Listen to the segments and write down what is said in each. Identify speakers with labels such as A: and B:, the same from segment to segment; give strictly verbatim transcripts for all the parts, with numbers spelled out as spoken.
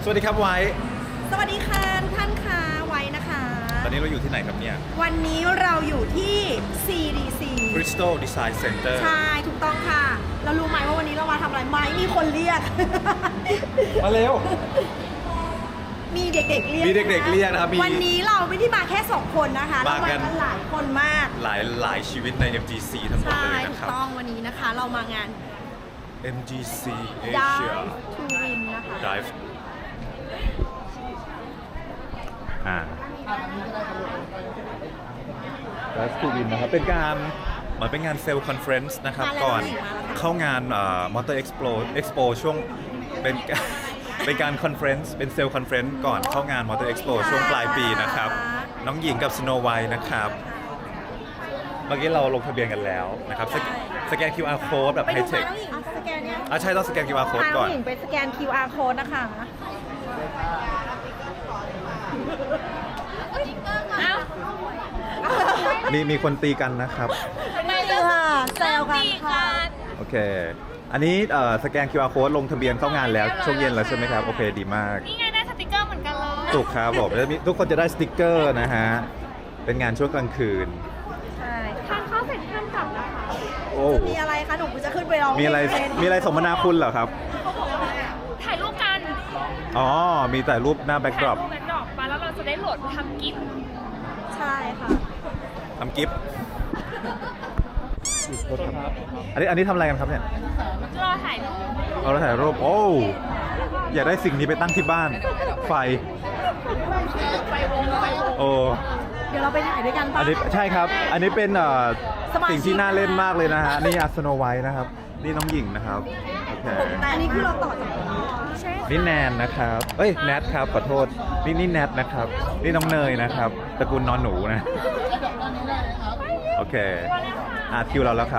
A: สวัสดีครับไว้
B: สวัสดีค่ะทุกท่านค่ะไว้นะคะ
A: ตอนนี้เราอยู่ที่ไหนครับเนี่ย
B: วันนี้เราอยู่ที่ ซี ดี ซี
A: Crystal Design Center
B: ใช่ถูกต้องค่ะเรารู้ไหมว่าวันนี้เรามาทำอะไรไหมมีคนเรียก
A: มาเร็ว
B: มีเด็กๆเรียก
A: มีเด็กๆเรียกนะครับมี
B: วันนี้เราไม่ได้มาแค่สองคนนะคะเรา
A: มา
B: มา
A: กั
B: กัน นหลายคนมาก
A: หลายหลายชีวิตใน เอ็ม จี ซี ทั้งหมด
B: ใช่
A: เลย
B: ถู
A: นะ
B: ก
A: ครับ
B: ต้องวันนี้นะคะเรามางาน
A: เอ็ม จี ซี
B: Dive
A: Asia
B: to Win นะคะ
A: Dive อ่า Dive to Win นะครับเป็นการเหมือนเป็นงานเซลล์คอนเฟรนซ์นะครับก่อนเข้างานมอเตอร์เอ็กซ์โปเอ็กซ์โปช่วงเป็น เป็นการคอนเฟรนซ์เป็นเซลล์คอนเฟรนซ์ก่อนเข้างานมอเตอร์เอ็กซ์โปช่วงปลายปีนะครับน้องหญิงกับสโนว์ไวท์นะครับเมื่อกี้เราลงทะเบียนกันแล้วนะครับสแกสแกน คิว อาร์ Code แบบ
B: ไป
A: ไฮ
B: ดู
A: เท
B: มา
A: ค
B: น้องหญิงสแกนเนี่ย
A: อ่ะใช่ต้องสแกน คิว อาร์ Code
B: พาน้
A: ก่
B: อ
A: อง น
B: หญิงไปสแกน คิว อาร์ Code นะคะเอ้า
A: มีมีคนตีกันนะครับ
B: ไม่เลยค่ะแซวกันค่ะ
A: โอเค อันนี้เอ่อสแกน คิว อาร์ Code ลงทะเบียนเข้างานแล้วช่วงเย็นแล้วใช่ไหมครับ โอเคดีมาก
C: นี่ไงได้สติกเกอร์เหมือนกันเลย
A: ถูกครับผมแล้วมีทุกคนจะได้สติกเกอร์นะฮะ เป็นงานช่วงกลางคืน
B: ใช่
C: ทานข้าวเสร็จท่านกลับนะคะ
A: โอ้
B: จะมีอะไรคะหนูจะขึ้นไปร้อง
A: มีอะไร
B: เพลง
A: มีอะไรสมนาคุณเหรอครับ
C: ถ่ายรูปกัน
A: อ๋อ มีแต่รูปหน้าแบ็กดรอป
C: ถ่ายรูปแบ็คดรอปมาแล้วเราจะได้โหลดทำกิฟต์
B: ใช่ค่ะ
A: ทำกิฟต์อันนี้อันนี้ทำอะไรกันครับเนี่ย
C: รอถ่ายรูป
A: เราถ่ายรูป โอ้ อยากได้สิ่งนี้ไปตั้งที่บ้าน ไฟ โอ้
B: เดี๋ยวเราไปถ่ายด้วยกัน
A: อั
B: ปะ
A: นนี้ใช่ครับ อันนี้เป็นเอ่อ
B: สมาชิก
A: สิ่งที่น่าเล่นมากเลยนะฮะ นี่อาสโนไวท์นะครับ นี่น้องหญิงนะครับ โอเค
B: แต่อันนี้คือเราต่อจาก
C: ใช่
A: นี่แนนนะครับ เอ้ยแนทครับ ขอโทษ นี่นี่แนทนะครับ นี่น้องเนยนะครับ ตระกูลนอนหนูนะ โอเคอ่ะคิวเราแล้วครับ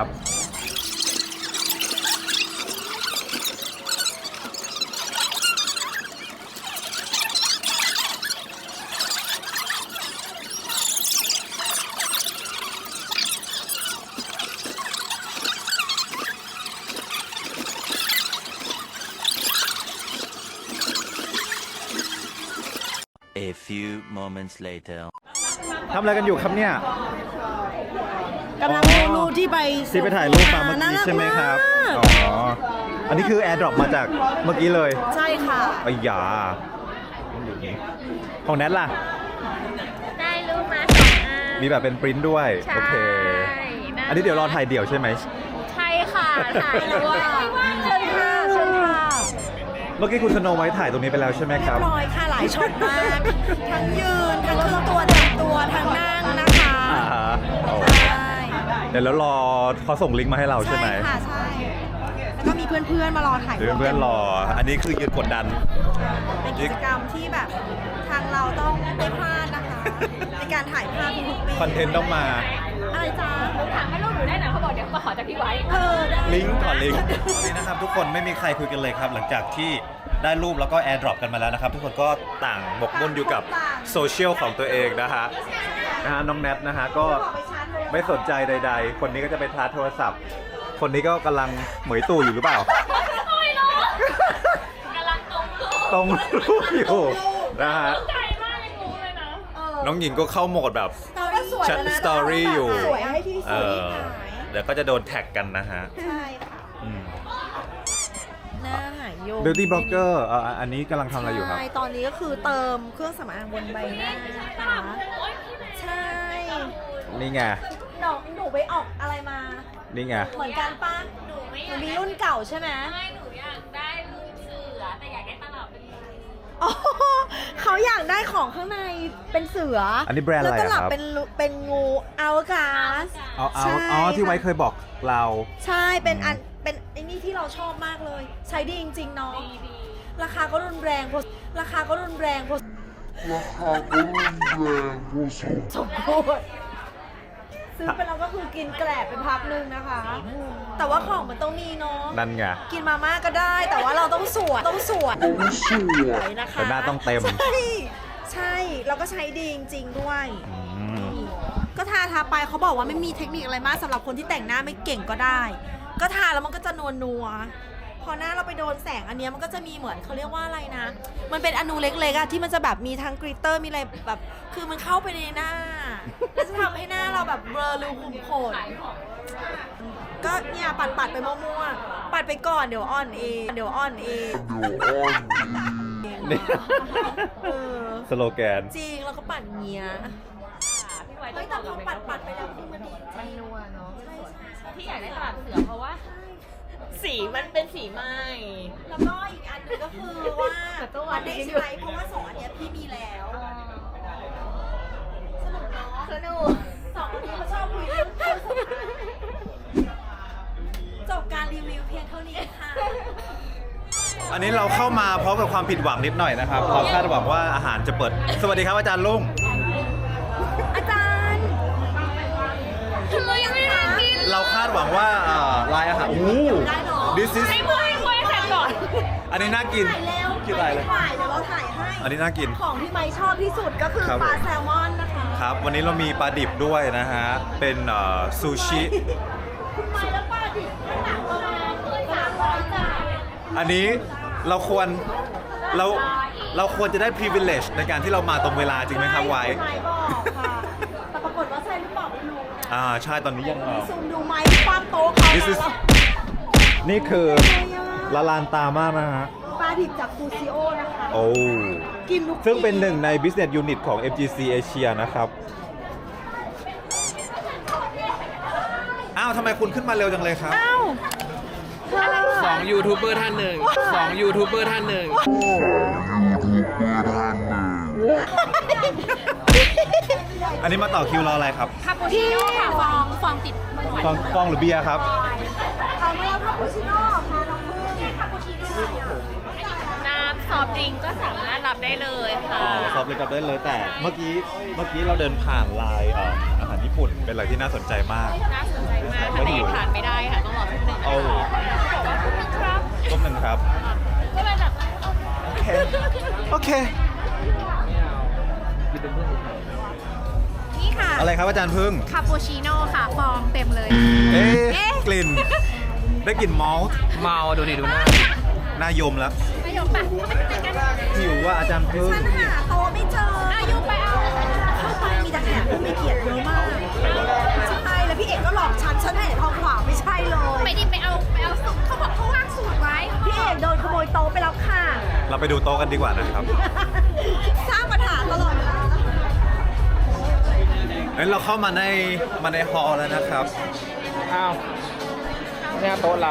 D: A few moments later.
A: ทำอะไรกันอยู่ครับเนี่ย
B: กำลังดูรูปที่ไป
A: ที่ไปถ่ายรูปมาเมื่อกี้ใช่ไหมครับ อ๋อ อันนี้คือแอร์ดรอปมาจากเมื่อกี้เลย
B: ใช่ค่ะ
A: ไอ้ยาของแนทล่ะ
C: ได้รูปมาสองอัน
A: มีแบบเป็นปริ้นท์ด้วย
C: ใช่
A: โอเค อันนี้เดี๋ยวรอถ่ายเดี่ยวใช่ไหม
C: ใช่ค่ะถ่ายด้วย
B: เชิญค่ะเชิญค่ะ
A: เมื่อกี้คุณสโนไวท์ถ่ายตรงนี้ไปแล้วใช่ไหม
B: เรี
A: ค
B: ย
A: รับ
B: บร้อยค่ะหลายช็อตมาก ทั้งยืน ทั้งเครื่องตัวแต่งตัว ทั้งนั่งนะคะ
A: อ่าฮะโอ้
B: ใช่
A: เดี๋ยวแล้วรอเขาส่งลิงก์มาให้เราใช่ไหม
B: ค่ะใช่ แล้วก็มีเพื่อนๆมารอถ่าย
A: เดี๋ยวเพื่อนๆรอ อันนี้คือยืนกดดัน
B: เป็นกิจกรรมที่แบบทางเราต้องไม่พลาดนะคะ ในการถ่ายภาพทุกๆปี
A: คอนเทนต์ต้องมา
B: อะไรจ๊ะ
C: ถามให้รูปหนูได้หน่อยเขาบอกเดี๋ยวมาขอจากพี่ไว้
B: เออได้
A: ลิงก์ก่อนลิงก์นี่นะครับทุกคนไม่มีใครคุยกันเลยครับ หลังจากที่ได้รูปแล้วก็แอร์ดรอปกันมาแล้วนะครับ ทุกคนก็ต่างบกมุ่นอยู่กับโซเชียลของตัวเองนะฮะนะฮะน้องแนทนะฮะก็ไม่สนใจใดๆ คนนี้ก็จะไปชาร์จโทรศัพท์ คนนี้ก็กำลังเหมยตู่อยู่หรือเปล่า
C: ไม่รู้กำลังตรงรูป
A: ตรงรูปอยู่นะฮะ
C: ใจมากเลยงูเลยนะ
A: น้องหญิงก็เข้าโหมดแบบ
B: เราก็สวยแล้วนะ
A: สตอรี่อยู่
B: สวยให้ที่ส
A: เอ
B: วย
A: อ
B: ที่หาย
A: เดี๋ยวก็จะโดนแท็กกันนะฮะ
B: ใช่ค่ะ
A: อืม
B: หน้าหายโยง
A: Beauty Blogger เอ่ออันนี้กำลังทำอะไรอยู่ครับ
B: ใช่ ตอนนี้ก็คือเติมเครื่องสำอางบนใบหน้านะคะใช่
A: นี่ไง
B: หนูหนูไปออกอะไรมา
A: นี่ไง
B: เหมือนกันป้า
C: หนูไม่
B: ห
C: อ
B: นู
C: ยาก
B: มีรุ่นเก่าใช่ไหม
C: ไม่หนูอยากได้รูปเสือแต่อยากได้ตลับเป็น
B: อ๋อเขาอยากได้ของข้างในเป็นเสือ
A: อันนี้แบรนด์อะไร
B: แล้วก็หลับ
A: อะครับ
B: เป็นลุเป็นงูอัลกาส
A: เอาเอา
B: ใช่
A: อ๋อที่
B: ค่ะ
A: ไว้เคยบอกเรา
B: ใช่เป็นอันเป็นไอ้นี่ที่เราชอบมากเลย ใช้ดีจริงๆเนาะ
C: ดีดี
B: ราคาก็รุนแรงพอราคาก็รุนแรงพอ
E: ราคาก็รุนแรงพอสม
B: สมควรซื้อไปแล้วก็คือกินแกลบไปพักหนึ่งนะคะ แต่ว่าของมันต้องมีเนาะ
A: นั่นไง
B: กินมาม่าก็ได้ แต่ว่าเราต้องสวยต้องสวย
E: ต้องสวย
B: นะคะ
A: แต่หน้าต้องเต็ม
B: ใช่ใช่เราก็ใช้ดีจริงๆด้วย
A: อืม
B: ก็ทาทาไปเขาบอกว่าไม่มีเทคนิคอะไรมากสำหรับคนที่แต่งหน้าไม่เก่งก็ได้ ก็ทาแล้วมันก็จะนวลนัวๆพพอหน้าเราไปโดนแสงอันเนี้ยมันก็จะมีเหมือนเขาเรียกว่าอะไรนะ มันเป็นอนูเล็กๆอะที่มันจะแบบมีทั้งกริตเตอร์มีอะไรแบบคือมันเข้าไปในหน้าแล้วจะทำให้หน้าเราแบบเบลอรูขุมขนก็เนี่ยปัดปัดๆไปมั่วๆปัดไปก่อนเดี๋ยวอ่อนเองเดี๋ยวอ่อนเอง
A: นี่
B: เออ
A: สโลแกน
B: จริงแล้วก็ปัดเงี้ย
C: พี่ไว้
B: เฮ้ยแต่พอปัดปัดๆไปแล้วคือมันดีจริง
C: นัวเนาะ
B: ใช่ใช่ใช่
C: ที่อยากได้ตลับเสือเพราะว่า สีมันเป็นสีไหม้
B: แล้วก็อีกอันหนึงก็คือว่ามันได้ใช้เพราะว่าสองอันเนี้ยพี่มีแล้วสนุกเนาะ
C: สนุก
B: สองคนนี้เขาชอบคุยเรื่องเครื่องสำอางจบการรีวิวเพียงเท่านี้ค่ะ
A: อันนี้เราเข้ามาพร้อมกับความผิดหวังนิดหน่อยนะครับ เราคาดหวังว่าอาหารจะเปิด สวัสดีครับอาจารย์ลุง
B: อาจารย์
C: เรายังไม่ได้กิน
A: เราคาดหวังว่าอ่าลายอาหารโอ้โห
B: ได้เหรอ
A: this is
C: ให้คุยคุยเสร็จก่อน
A: อันนี้น่ากิน
B: ถ่ายเร็ว
A: กินอะไรเลย
B: ถ่ายเดี๋ยวเราถ่ายให้
A: อันนี้น่ากิน
B: ของที่ไมค์ชอบที่สุดก็คือ
A: ครับ
B: ปลาแซลมอนนะคะ
A: ครับ วันนี้เรามีปลาดิบด้วยนะฮะ เป็นเอ่อซูชิ
B: คุณไมค์แล้วปลาดิบข้างหลังประมาณสามร้อยจาน
A: อันนี้เราควรเราเราควรจะได้ privilege ในการที่เรามาตรงเวลาจริงไหมครับไว้
B: คุณไมค์บอกค่ะแต่ปรากฏว่าใช่หรือเปล่าไม่รู้นะ
A: อ่าใช่ตอนนี้ยังเอ่อ
B: ซูมดูไมค์ความโต๊ะเขา
A: This is
B: แล้ว
A: นี่คือละลานตามากนะฮะ
B: ปลาดิบจากฟูซิโอนะคะ
A: โอ้
B: กินทุก
A: ซึ่งเป็นหนึ่งใน business unit ของ เอ็ม จี ซี Asia นะครับ อ้าวทำไมคุณขึ้นมาเร็วจังเลยครับ
B: อ้าว
F: สองยูทูบเบอร์ท่านหนึ่งสองยูทูบเบอร์ท่านหนึ่ง
A: อันนี้มาต่อคิวรออะไรครับ
C: คาปูชิโน่ค่ะฟองฟองติด
A: ฟองฟองหรือเบียร์ครับ
B: เอาไม่เอาคาปูชิโน่ค่ะน้องพึ่งคาปูชิโน่
C: น้ำซอฟต์ดริงก์ก็สามารถรับได้เลยค่ะ
A: สอบเลยกับได้เลยแต่เมื่อกี้เมื่อกี้เราเดินผ่านลายเอ่ออาหารญี่ปุ่นเป็นอะไรที่น่าสนใจมาก
C: น่าสนใจมากค่ะแต่ยังทานไม่ได้ค่ะ ต้องรอแป๊บนึงนะ
A: เอา
C: คะครับ
A: ต้มหนึ่งครับ
C: ก็เป็นแบบ
A: โอเค โอเค
C: นี่ค่ะ
A: อะไรครับอาจารย์พึ่ง
C: คาปูชิโน่ค่ะ ฟองเต็มเลย
A: เอ๊
C: เอ๊ะ
A: ะกลิ่น ได้กลิ่นมอลต์
F: เมาดูดิดูหน้า
A: น่ายมแล้ว
C: ประโยคปะเขาไปไหนกัน
A: หิวว่าอาจารย์พึ่ง
B: ฉันหาโต๊ะไม่เจอ
C: อายุไปเอา
B: เข้าไปมีแต่แขกผู้ไม่เกียรติเยอะมากใช่แล้วพี่เอกก็หลอกฉันฉันให้ทองขวาไม่ใช่เลย
C: ไปดิไปเอาไปเอาสูตรเขาบอกเขาวางสูตรไว้
B: พี่เอกโดนขโมยโต๊ะไปแล้วค่ะ
A: เราไปดูโต๊ะกันดีกว่านะครับ
B: สร้างปัญหาตลอดเวลา
A: งั้นเราเข้ามาในมาในฮอลล์แล้วนะครับ
F: อ้าวเนี่ยโต๊ะเรา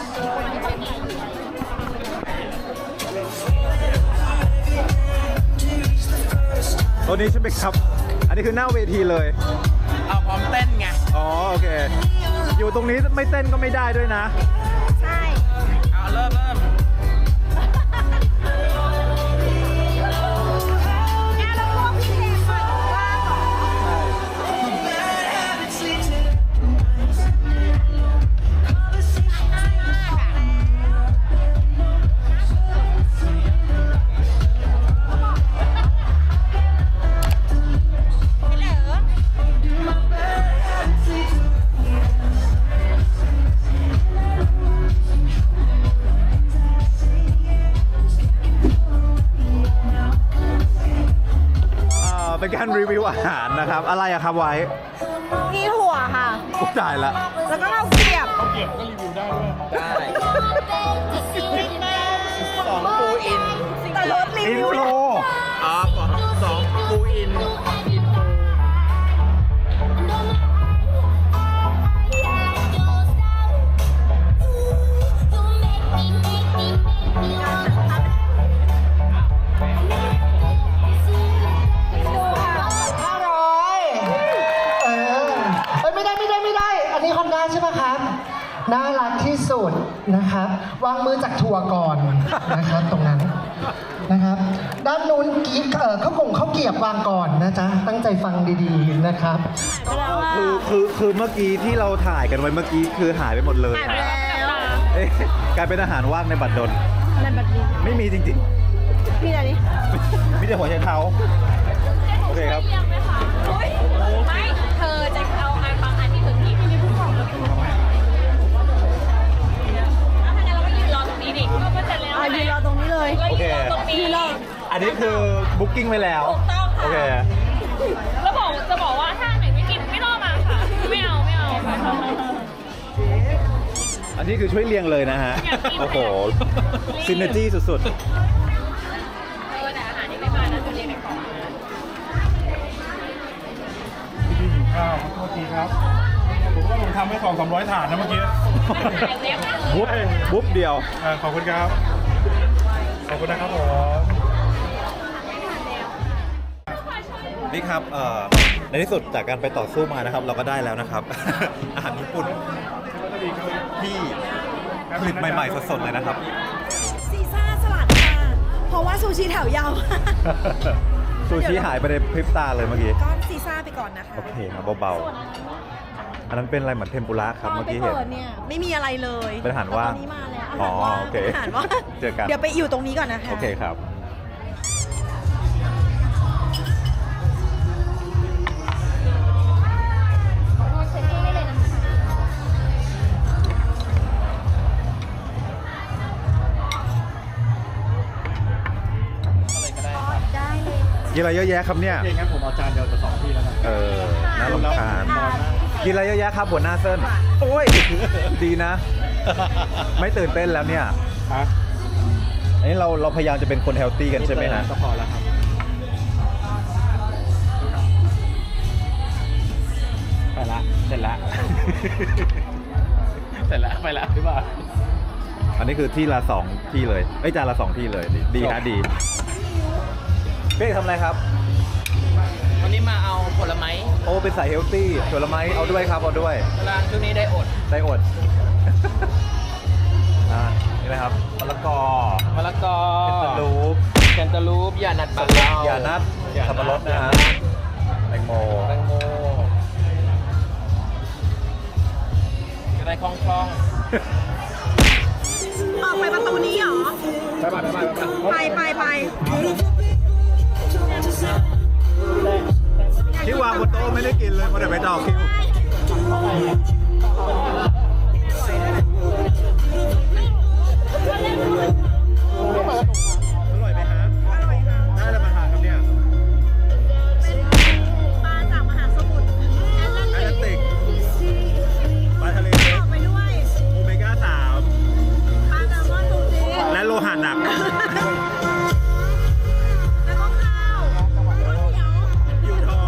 A: โต๊ะนี้ใช่ไหมครับ อันนี้คือหน้าเวทีเลย
F: เอาพร้อมเต้นไง
A: อ๋อโอเค อยู่ตรงนี้ไม่เต้นก็ไม่ได้ด้วยนะ
B: ใช่
F: เอาเริ่มเริ่ม
B: เนี่ยเราพวกพี่เพลงมาบอกว่าเหรอ
A: เอ่อเป็นการรีวิวอาหารนะครับ อะไรอะครับไว้
B: มีถั่วค่ะ
A: โอ้ตายละ
B: แล้วก็ข้าวเกรียบ
F: ได้สองปูอิน
B: แต่รสรี
A: อิน
B: วิว
A: โทร
F: อ๋อสองปูอิน
G: ห้าร้อยเออเอ้ยไม่ได้ไม่ได้ไม่ได้ อันนี้คอนด้าใช่ไหมครับ น่ารักที่สุดนะครับ วางมือจากถั่วก่อนนะครับ ตรงนั้นนะครับ ด้านนู้นกีบเอ่อข้าวกงข้าวเกรียบวางก่อนนะจ๊ะ ตั้งใจฟังดีๆนะครับ
A: คือคือคือเมื่อกี้ที่เราถ่ายกันไว้เมื่อกี้คือหายไปหมดเลย
C: หายไปแล้ว
A: เอ๊ะกลายเป็นอาหารว่างในบัตรดล
B: นั่นแบบนี้
A: ไม่มีจริง
B: มีอะไรนี่
A: ๆ มีแต่หัวใจเท้า โอเคครับ
C: เรียงไหมคะไม่ เธอจะเอาอันบางอันที่เธอกินไม่มีผู้ของแล้วถ้างั้นเราก็ยืนรอตรงนี้
B: อ่ะยืนรอตรงนี้เลย
A: โอเค
C: ตรงนี้
B: ยืนรอ
A: อันนี้คือบุ๊กิ้งไว้แล้ว
C: ถูกต้องค่ะ
A: โอเค
C: แล้วบอกจะบอกว่าถ้าไหนไม่กินไม่รอมาค่ะ ไม่เอาไม่เอาค่ะ
A: อันนี้คือช่วยเรียงเลยนะฮะ
C: อยากกิน
A: โอ้โห
C: รีบ
A: ซินเนจี้สุด
C: เออแต่อาหารยังไม่มานะจะเรียนในกล่องนะ
H: พี่หิวข้าวโทษทีครับ ผมก็ลงทำให้สองสามร้อยถาดนะเมื่อกี้
A: ๆ บุ๊บบุ๊บเดียว
H: เออขอบคุณครับ ขอบคุณนะครับผม
A: นี่ครับเอ่อในที่สุดจากการไปต่อสู้มานะครับ เราก็ได้แล้วนะครับ อาหารญี่ปุ่นที่ผลิตใหม่ๆสดๆเลยนะครับ
B: ซีซ่าสลัดค่ะ เพราะว่าซูชิแถวยาวมาก
A: ซูชิหายไปในพริบตาเลยเมื่อกี้
B: ก็ซีซ่าไปก่อนนะคะ
A: โอเคครับเบาๆ อันนั้นเป็นอะไรเหมือนเทมปุระครับ
B: ตอน
A: เมื่อ
B: ไป
A: กี้เห็น
B: เปิดเนี่ยไม่มีอะไรเลย
A: เป็นอาหารว่าง
B: แต่ตอนนี้มาแล้ว
A: อ๋อ
B: อาหารว่าง
A: โอเค
B: อาหารว่าง
A: เจอกัน
B: เดี๋ยวไปอยู่ตรงนี้ก่อนนะคะ
A: โอเคครับ กินอะไรเยอะแยะครับเนี่ย
H: เองงั้นผมเอาจานเดียวจะสองที่แล้วนะ
A: เออ น่ารำคาญกินอะไรเยอะแยะครับหัวหน้าเส้น โอ้ย ดีนะ ไม่ตื่นเต้นแล้วเนี่ย
H: ฮะ
A: อันนี้เราเราพยายามจะเป็นคนเฮลตี้กันใช่ไหมฮะ
H: ก็พอแล้วครับ ไปละ เสร็จละ เสร็จละไปละหรือเปล่า
A: อันนี้คือที่ละสองที่เลยเอ้ยจานละสองที่เลย ดีดีฮะดีเป้ทำอะไรครับ
F: วันนี้มาเอาผลไม้
A: โอ้เป็นสายเฮลตี้ผลไม้เอาด้วยครับเอาด้วย
F: กำลังช่วงนี้ได้อด
A: ได้อด อ่านี่นะครับมะละกอ
F: มะละกอ
A: เป็นสลูป
F: แคนตาลูปยานัดปังเล่าย
A: านัดสับปะรดนะฮะแตงโม
F: แตงโมจะได้คล่องคล่อง
B: ออกไปประตูนี้เหรอ
H: ไปไปไปไป
B: ไปไปไป
A: ที่วางบนโต๊ะไม่ได้กินเลยเพราะเดี๋ยวไปต่อคิวอร่อยไหมฮะอร่อยค่ะได้แล้วมาทานครับเนี่ย
B: ปลาจากมหาสมุทรแอตแลน
A: แอตแลนติกปลาทะเลเล็ก
B: ไปด้วย
A: โอเมก้าสาม
B: ปลาแซลมอนซูชิ
A: และโลหะหนัก
B: แล้วก็ข้าวเหนียว
A: อยู่ท้อง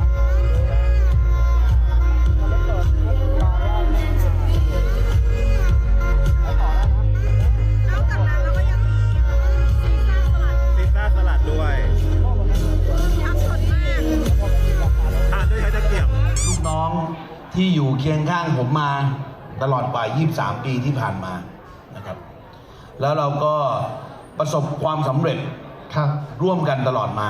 B: นอกจากนั้นแล้วก็ยังมีซีซ่าสลัด
A: พิซซ่าสลัดด้วย
B: อัพสดมาก
A: ทานด้วยใช้ตะเกียบ
I: ลูกน้องที่อยู่เคียงข้างผมมาตลอดกว่า ยี่สิบสาม ปีที่ผ่านมานะครับ แล้วเราก็ประสบความสำเร็จ
G: ครับ
I: ร่วมกันตลอดมา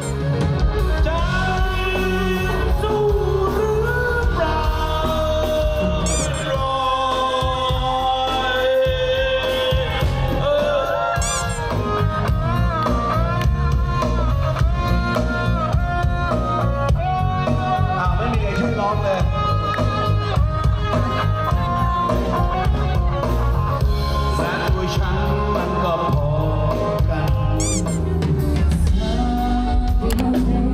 I: อ้าว ไม่มีใครช่วยร้องเลย และตัวฉันมันก็พอกัน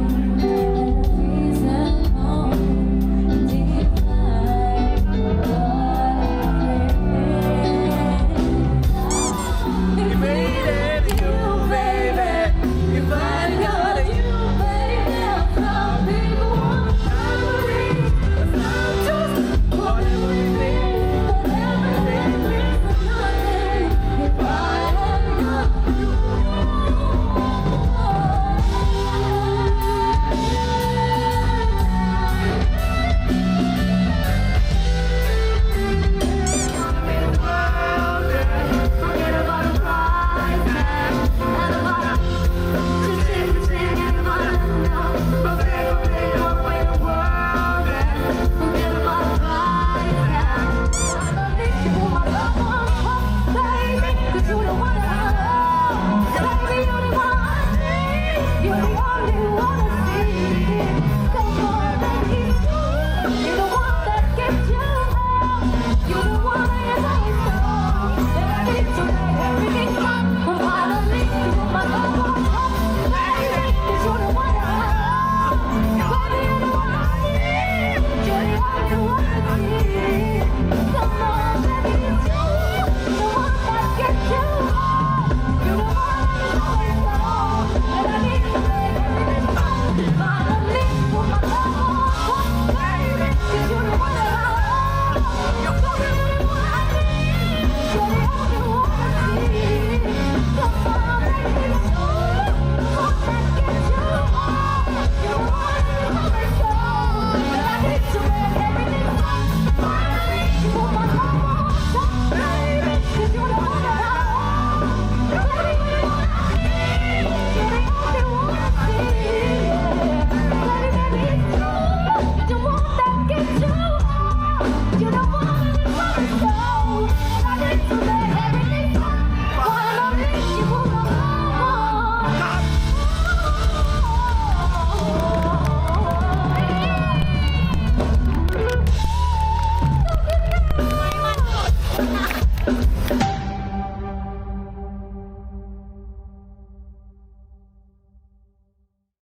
G: ครับ